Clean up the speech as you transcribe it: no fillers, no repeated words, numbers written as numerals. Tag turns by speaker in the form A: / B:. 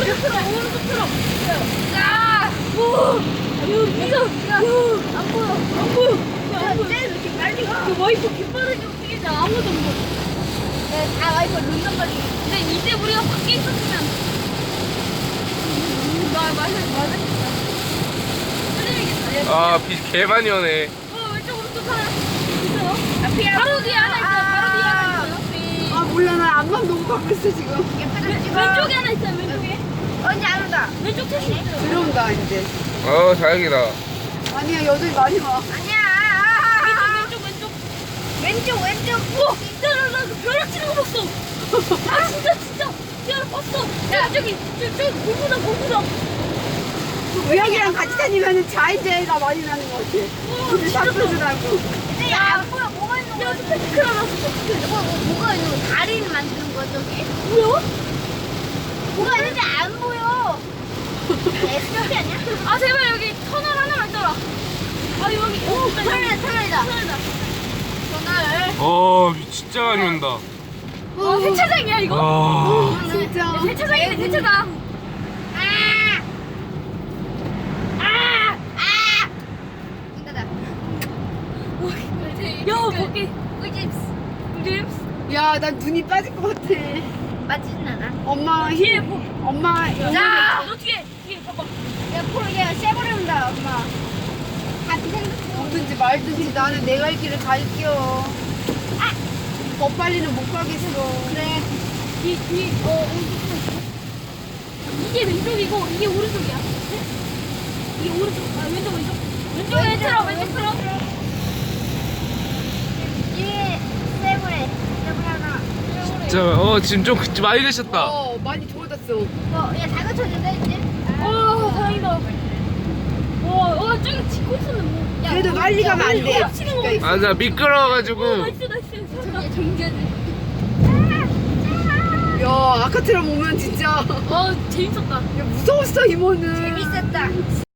A: 오른쪽 틀어. 야! 오! 이거 안 보여. 안 보여. 안 보여. 쟤 이렇게 빨리 가. 그 와이프 깃발을 좀 끼지 아무도 안 보여. 네, 다 와이프 룬단 말이야. 근데 이제 우리가 밖에 있었으면 맞았겠다.
B: 아, 비 개 많이 오네.
A: 왼쪽 오른쪽 하나 있어요. 바로 뒤에 하나 있어요. 바로 뒤에 하나 있어요.
C: 아 몰라 나 앞만 보고 가고 있어 지금.
A: 왼쪽에 하나 있어요. 왼쪽에. 언제 안 온다. 왼쪽 택시 있어요.
C: 들어온다 이제.
B: 다행이다.
C: 아니야 여전히 많이 와.
A: 아니야. 왼쪽. 우와, 나 벼락치는 거 봤어. 아 진짜. 벼락 봤어. 야 저기 고구나.
C: 우영이랑 같이 다니면은 자인제가 많이 나는 것 같아. 근데 싹들더라고.
A: 야, 안 보여. 뭐가 있는 거야? 스펙트클 나왔어. 뭐가 있는 거야? 다리를 만드는 거야, 저게? 뭐야? 뭐가 있는지 안 보여. 에스피 아니야? 아, 제발 여기 터널 하나만 떠라. 아, 여기. 오, 터널이다. 터널.
B: 비 진짜 많이 온다.
A: 세차장이야, 이거?
B: 아,
C: 진짜.
A: 세차장이네, 세차장. 야, 거기 꿀집스.
C: 야 난 눈이 빠질 것 같아.
A: 맞지는 않아.
C: 엄마
A: 뒤에
C: 엄마.
A: 자, 너 뒤에 봐봐. 야, 포로 얘 쎄버린다, 엄마. 같이 생각해.
C: 뭐든지 말든지 나는 내 갈 길을 갈게요. 더 빨리는 못 가겠어.
A: 그래. 이게 왼쪽이고 이게 오른쪽이야. 이게 오른쪽. 왼쪽. 왼쪽에 틀어. 왼쪽 틀어. 이게 세브레 하나.
B: 진짜, 지금 좀 많이 되셨다.
C: 많이 좋아졌어.
A: 야, 다 갖춰진다 이제. 다행이다. 저기 찍고 있었는데 뭐. 야,
C: 그래도 빨리 가면 안 돼.
A: 치는 거.
B: 맞아, 미끄러워가지고.
A: 나이스. 정지하지.
C: 야 아까처럼 오면 진짜
A: 재밌었다.
C: 야, 무서웠어 이모는.
A: 재밌었다.